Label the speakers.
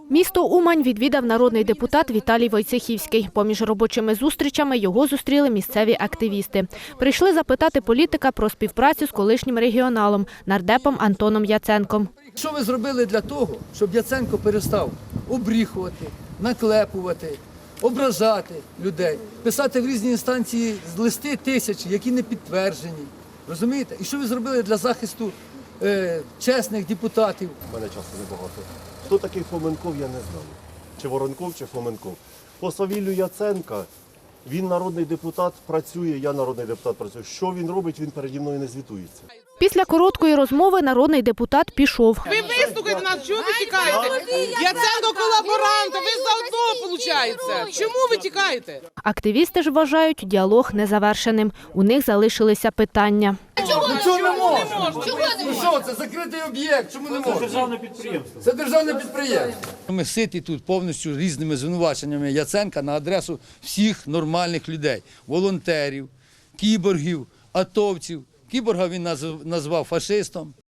Speaker 1: Місто Умань відвідав народний депутат Віталій Войцехівський. Поміж робочими зустрічами його зустріли місцеві активісти. Прийшли запитати політика про співпрацю з колишнім регіоналом, нардепом Антоном Яценком.
Speaker 2: Що ви зробили для того, щоб Яценко перестав обріхувати, наклепувати, ображати людей, писати в різні інстанції листи тисячі, які не підтверджені? Розумієте? І що ви зробили для захисту чесних депутатів?
Speaker 3: У мене часу небагато. Хто такий Фоменков, я не знаю. Чи Воронков, чи Фоменков. По свавіллю Яценка, він народний депутат, працює, я народний депутат працюю. Що він робить, він переді мною не звітується.
Speaker 1: Після короткої розмови народний депутат пішов.
Speaker 4: Ви вислухайте нас, чого ви тікаєте? Яценко колаборант, ви заодно, виходить. Чому ви тікаєте?
Speaker 1: Активісти ж вважають діалог незавершеним. У них залишилися питання.
Speaker 2: Чого не можна? Ну що, це закритий об'єкт, чому не можна? Це державне підприємство. Це державне підприємство.
Speaker 5: Ми ситі тут повністю різними звинуваченнями Яценка на адресу всіх нормальних людей. Волонтерів, кіборгів, атовців. Кіборга він назвав фашистом.